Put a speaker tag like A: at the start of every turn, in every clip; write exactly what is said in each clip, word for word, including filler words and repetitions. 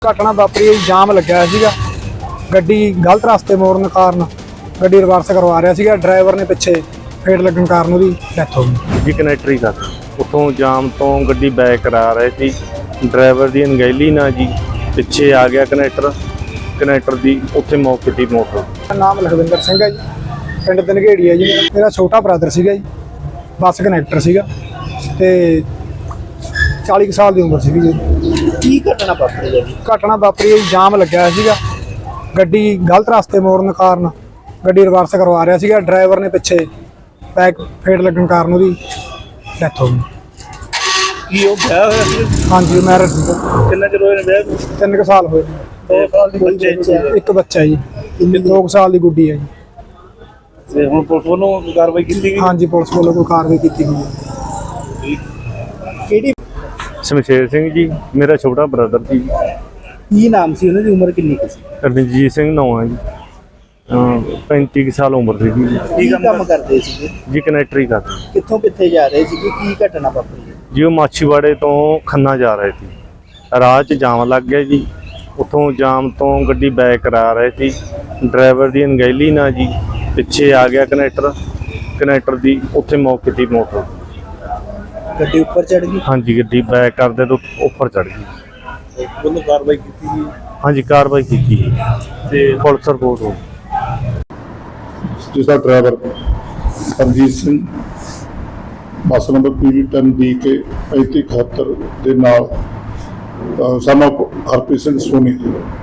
A: ਘਟਨਾ ਵਾਪਰੀ ਹੈ, ਜਾਮ ਲੱਗਿਆ ਸੀਗਾ। ਗੱਡੀ ਗਲਤ ਰਸਤੇ ਮੋੜਨ ਕਾਰਨ ਗੱਡੀ ਰਿਵਰਸ ਕਰਵਾ ਰਿਹਾ ਸੀਗਾ। ਡਰਾਈਵਰ ਨੇ ਪਿੱਛੇ ਫੇਟ ਲੱਗਣ ਕਾਰਨ ਉਹਦੀ ਡੈਥ ਹੋ ਗਈ
B: ਜੀ। ਕਨੈਕਟਰੀ ਕਰ ਉੱਥੋਂ ਜਾਮ ਤੋਂ ਗੱਡੀ ਬੈਕ ਕਰਾ ਰਹੇ ਸੀ। ਡਰਾਈਵਰ ਦੀ ਅਣਗਹਿਲੀ ਨਾਲ ਜੀ ਪਿੱਛੇ ਆ ਗਿਆ ਕਨੈਕਟਰ ਕਨੈਕਟਰ ਦੀ ਉੱਥੇ ਮੌਕੇ ਦੀ ਮੋਟਰ।
A: ਮੇਰਾ ਨਾਮ ਲਖਵਿੰਦਰ ਸਿੰਘ ਹੈ ਜੀ, ਪਿੰਡ ਦਨਗੇੜੀ ਹੈ ਜੀ। ਮੇਰਾ ਛੋਟਾ ਬ੍ਰਦਰ ਸੀਗਾ ਜੀ, ਬੱਸ ਕਨੈਕਟਰ ਸੀਗਾ ਤੇ ਚਾਲੀ ਕੁ ਸਾਲ ਦੀ ਉਮਰ ਸੀਗੀ ਜੀ।
C: ਕੀ ਘਟਨਾ ਵਾਪਰੀ ਹੈ ਜੀ?
A: ਘਟਨਾ ਵਾਪਰੀ ਹੈ, ਜਾਮ ਲੱਗਿਆ ਸੀਗਾ। ਗੱਡੀ ਗਲਤ ਰਸਤੇ ਮੋੜਨ ਕਾਰਨ ਗੱਡੀ ਰਿਵਰਸ ਕਰਵਾ ਰਿਹਾ ਸੀਗਾ। ਡਰਾਈਵਰ ਨੇ ਪਿੱਛੇ ਬੈਕ ਫੇਟ ਲੱਗਣ ਕਾਰਨ ਉਹਦੀ ਡੈਥ ਹੋ ਗਈ।
C: ਕੀ ਉਹ ਵਿਆਹ ਹੋਇਆ ਸੀ?
A: ਹਾਂਜੀ, ਮੈਰਿਜ ਸੀਗਾ।
C: ਕਿੰਨਾ ਚਿਰ ਹੋਇਆ ਵਿਆਹ ਨੂੰ?
A: ਤਿੰਨ ਕੁ ਸਾਲ ਹੋਏ।
C: ਦੋ ਸਾਲ ਦੀ ਬੱਚੇ
A: ਇੱਕ ਬੱਚਾ ਜੀ, ਦੋ ਕੁ ਸਾਲ ਦੀ ਗੁੱਡੀ ਹੈ ਜੀ।
C: ਤੇ ਹੁਣ ਪੁਲਿਸ ਵੱਲੋਂ ਕਾਰਵਾਈ ਕੀਤੀ ਗਈ?
A: ਹਾਂਜੀ, ਪੁਲਿਸ ਵੱਲੋਂ ਕੋਈ ਕਾਰਵਾਈ ਕੀਤੀ ਗਈ ਹੈ।
C: ਕਿਹੜੀ?
B: ਸ਼ਮਸ਼ੇਰ ਸਿੰਘ ਜੀ, ਮੇਰਾ ਛੋਟਾ ਬ੍ਰਦਰ ਜੀ।
C: ਕੀ ਨਾਮ ਸੀ ਉਹਨਾਂ ਦੀ? ਉਮਰ ਕਿੰਨੀ ਕੁ ਸੀ?
B: ਰਣਜੀਤ ਸਿੰਘ ਨਾਂ ਹੈ ਜੀ। ਪੈਂਤੀ ਕੁ ਸਾਲ ਉਮਰ ਸੀ ਜੀ।
C: ਕੀ ਕੰਮ ਕਰਦੇ ਸੀ
B: ਜੀ? ਕਨੈਕਟਰੀ ਕਰ।
C: ਕਿੱਥੋਂ ਕਿੱਥੇ ਜਾ ਰਹੇ ਸੀ? ਕੀ ਘਟਨਾ ਵਾਪਰੀ ਹੈ
B: ਜੀ? ਉਹ ਮਾਛੀਵਾੜੇ ਤੋਂ ਖੰਨਾ ਜਾ ਰਹੇ ਸੀ। ਰਾਹ 'ਚ ਜਾਮ ਲੱਗ ਗਿਆ ਜੀ। ਉੱਥੋਂ ਜਾਮ ਤੋਂ ਗੱਡੀ ਬੈਕ ਕਰਾ ਰਹੇ ਸੀ। ਡਰਾਈਵਰ ਦੀ ਅਣਗਹਿਲੀ ਨਾਲ ਜੀ ਪਿੱਛੇ ਆ ਗਿਆ ਕਨੈਕਟਰ ਕਨੈਕਟਰ ਦੀ ਉੱਥੇ ਮੌਕੇ ਦੀ ਮੋਟਰ।
C: ਗੱਡੀ ਉੱਪਰ ਚੜ ਗਈ?
B: ਹਾਂਜੀ, ਗੱਡੀ ਬੈਕ ਕਰਦੇ ਤੋਂ ਉੱਪਰ ਚੜ ਗਈ।
C: ਉਹਨੂੰ ਕਾਰਵਾਈ ਕੀਤੀ ਗਈ?
B: ਹਾਂਜੀ, ਕਾਰਵਾਈ ਕੀਤੀ ਜੀ ਤੇ ਪੁਲਿਸ ਰਿਪੋਰਟ ਹੋ
D: ਜਿਸਦਾ driver Ranjit Singh bus number P V ten D K ਪੈਂਤੀ ਇਕਹੱਤਰ ਦੇ ਨਾਲ ਸਨ ਆਫ ਹਰਪ੍ਰੀਤ ਸਿੰਘ ਸੋਨੀ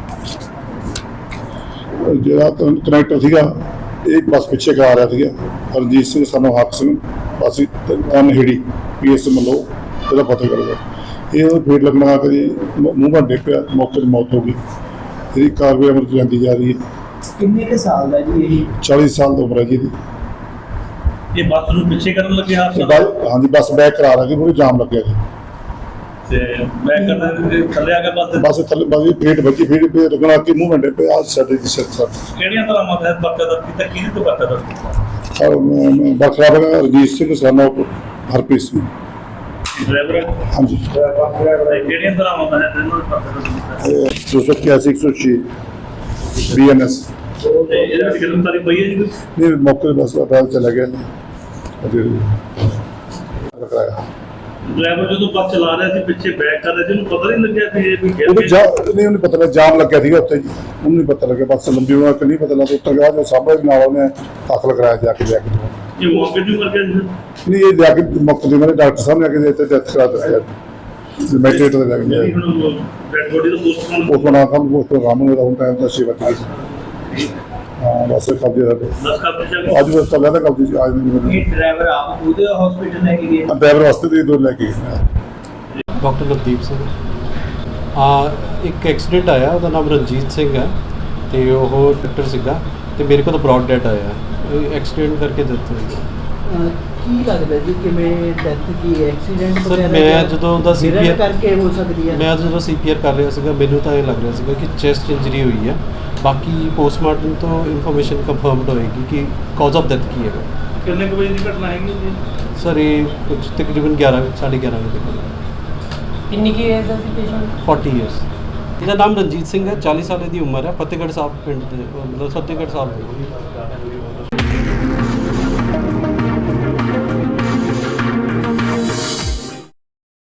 D: ਜਿਹੜਾ ਕਨੈਕਟਰ ਸੀਗਾ, ਇਹ ਬੱਸ ਪਿੱਛੇ ਕਰਾ ਰਿਹਾ ਸੀਗਾ। Ranjit Singh son of Harpreet Singh bus Anheri P S Malo ਇਹਦਾ ਪਤਾ ਕਰਦਾ। ਇਹ ਉਹਨੂੰ ਫੇਟ ਲੱਗਣਾ ਕਰੀ ਮੂੰਹ ਭੰਡੇ ਪਿਆ, ਮੌਕੇ 'ਤੇ ਮੌਤ ਹੋ ਗਈ। ਇਹਦੀ ਕਾਰਵਾਈ ਅਮਲ 'ਚ ਜਾਂਦੀ ਜਾ ਰਹੀ ਹੈ।
C: ਕਿੰਨੇ ਕੁ ਸਾਲ ਦਾ ਜੀ ਇਹ?
D: ਚਾਲੀ ਸਾਲ ਦੀ ਉਮਰ ਹੈ ਜੀ ਇਹਦੀ।
E: ਇਹ ਬੱਸ ਨੂੰ ਪਿੱਛੇ ਕਰਨ ਲੱਗੇ ਹਾਦਸਾ?
D: ਹਾਂਜੀ, ਬੱਸ ਬੈਕ ਕਰਾ ਰਹੀ ਸੀ, ਪੂਰੀ ਜਾਮ ਲੱਗਿਆ ਜੀ।
E: ਤੇ ਬੈਕ ਕਰਦੇ ਥੱਲੇ ਆ ਕੇ ਬੱਸ ਦੇ
D: ਬੱਸ ਥੱਲੇ ਬੱਸ ਦੀ ਫੇਟ ਵੱਜੀ, ਫੇਟ ਪੇ ਲੱਗਣਾ ਕਿ ਮੂੰਹ ਮੰਡੇ ਪਏ ਆ ਸਾਡੇ ਦੀ ਸਿਰ ਸਰ।
E: ਕਿਹੜੀਆਂ ਤਰ੍ਹਾਂ ਮਤ ਬੱਕਾ ਦਾ ਕੀਤਾ? ਕਿਹਦੇ ਤੋਂ ਬੱਕਾ ਦਾ?
D: ਬਖਰਾ ਬਗਾ Ranjit Singh son of Harpreet Singh
E: driver?
D: ਹਾਂਜੀ।
E: ਕਿਹੜੀਆਂ ਤਰ੍ਹਾਂ ਮਤ ਹੈ ਤੈਨੂੰ ਬੱਕਾ ਦਾ ਕੀਤਾ?
D: ਦੋ ਸੌ ਇਕਿਆਸੀ ਇੱਕ ਸੌ ਛੇ ਬੀ ਐਨ ਐਸ।
E: ਤੇ ਇਹਦੇ ਵਿੱਚ ਗ੍ਰਿਫਤਾਰੀ ਪਈ ਹੈ ਜੀ ਕੋਈ?
D: ਨਹੀਂ, ਮੌਕੇ 'ਤੇ ਬੱਸ ਅਪਰਾਧ ਚਲਾ ਗਿਆ ਕਰਾਇਆ।
E: ਡਰਾਈਵਰ ਜਦੋਂ ਬੱਸ ਚਲਾ ਰਿਹਾ ਸੀ ਪਿੱਛੇ ਬੈਕ ਕਰ ਰਿਹਾ ਸੀ, ਉਹਨੂੰ ਪਤਾ ਨਹੀਂ ਲੱਗਿਆ ਕਿ ਇਹ ਵੀ ਗਿਰ
D: ਉਹਨੂੰ ਜਾ
E: ਗਿਆ?
D: ਨਹੀਂ, ਉਹਨੂੰ ਪਤਾ ਲੱਗਾ ਜਾਮ ਲੱਗਿਆ ਸੀਗਾ ਉੱਥੇ ਜੀ। ਉਹਨੂੰ ਨਹੀਂ ਪਤਾ ਲੱਗਿਆ, ਬੱਸ ਲੰਬੀ ਹੋਣਾ ਕਿ ਨਹੀਂ ਪਤਾ ਲੱਗਾ। ਉੱਤਰ ਗਿਆ ਜੋ ਸਾਹਮਣੇ ਨਾਲ ਉਹਨੇ ਦਾਖਲ ਕਰਾਇਆ ਜਾ ਕੇ ਜਾ ਕੇ।
E: ਇਹ ਮੌਕੇ ਤੇ ਮਰ ਗਿਆ ਜੀ?
D: ਨਹੀਂ, ਇਹ ਜਾ ਕੇ ਮੌਕੇ 'ਤੇ ਮੇਰੇ ਡਾਕਟਰ ਸਾਹਿਬ ਨੇ ਆ ਕੇ ਇੱਥੇ ਡੈਥ ਕਰਾ ਦਿੱਤੀ। ਮੈਟਰੇਟ ਦੇ ਲੱਗ ਗਿਆ।
E: ਜਿਹੜੀ ਹੁਣ ਡੈਡ ਬੋਡੀ ਦਾ ਪੋਸਟਮਾਰਟਮ
D: ਉਹ ਬਣਾ ਕੰਮ ਉਹ ਤੋਂ ਰਾਮ ਨੂੰ ਰਾਉਂ ਟਾਈਮ ਦਾ ਸੇਵਾ ਕੀਤੀ। ਹਾਂ, ਬਸ ਕਬਜ਼ੇ ਦਾ
E: ਦਸ ਕਰ ਦਿੱਤਾ?
D: ਅੱਜ ਬਸ ਚੱਲਿਆ ਤਾਂ ਕਬਜ਼ੇ 'ਚ ਅੱਜ ਨਹੀਂ।
C: ਇਹ ਡਰਾਈਵਰ ਆਪ ਉਹਦੇ ਹਸਪੀਟਲ ਲੈ ਕੇ ਗਏ?
D: ਡਰਾਈਵਰ ਵਾਸਤੇ ਤੇ ਦੋ ਲੈ ਕੇ ਗਏ।
F: ਡਾਕਟਰ ਨਵਦੀਪ ਸਿੰਘ। ਆ ਇੱਕ ਐਕਸੀਡੈਂਟ ਆਇਆ, ਉਹਦਾ ਨਾਮ ਰਣਜੀਤ ਸਿੰਘ ਹੈ ਤੇ ਉਹ ਡਾਕਟਰ ਸੀਗਾ ਤੇ ਮੇਰੇ ਕੋਲ ਤਾਂ ਬ੍ਰੌਡ ਡੈਡ ਆਇਆ। ਇਹ ਐਕਸੀਡੈਂਟ ਕਰਕੇ ਦਿੱਤਾ ਹੋਇਆ।
C: ਕੀ ਲੱਗਦਾ ਜੀ ਕਿਵੇਂ ਡੈਥ ਕੀ ਐਕਸੀਡੈਂਟ
F: ਸਰ, ਮੈਂ ਜਦੋਂ ਦਾ ਸੀ ਪੀ ਆਰ
C: ਕਰਕੇ ਹੋ ਸਕਦੀ ਹੈ?
F: ਮੈਂ ਜਦੋਂ ਸੀ ਪੀ ਆਰ ਕਰ ਰਿਹਾ ਸੀਗਾ, ਮੈਨੂੰ ਤਾਂ ਇਹ ਲੱਗ ਰਿਹਾ ਸੀਗਾ ਕਿ ਚੈਸਟ ਇੰਜਰੀ ਹੋਈ ਹੈ। ਬਾਕੀ ਪੋਸਟਮਾਰਟਮ ਤੋਂ ਇਨਫੋਰਮੇਸ਼ਨ ਕੰਫਰਮਡ ਹੋਏਗੀ ਕਿ ਕਾਜ਼ ਆਫ ਡੈਥ ਕੀ ਹੈਗਾ।
E: ਕਿੰਨੇ ਕੁ ਵਜੇ ਦੀ ਘਟਨਾ ਹੈਗੀ ਜੀ?
F: ਸਰ, ਇਹ ਕੁਝ ਤਕਰੀਬਨ ਗਿਆਰਾਂ ਸਾਢੇ ਗਿਆਰਾਂ ਵਜੇ ਤੱਕ।
G: ਕਿੰਨੀ ਕੀ ਏਜ ਦਾ ਸੀ ਪੇਸ਼ੈਂਟ?
F: ਚਾਲੀ ਇਅਰਸ। ਇਹਦਾ ਨਾਮ ਰਣਜੀਤ ਸਿੰਘ ਹੈ, ਚਾਲੀ ਸਾਲ ਦੀ ਉਮਰ ਹੈ। ਫਤਿਹਗੜ੍ਹ ਸਾਹਿਬ ਪਿੰਡ ਦੇ, ਮਤਲਬ ਫਤਿਹਗੜ੍ਹ ਸਾਹਿਬ ਦੇ।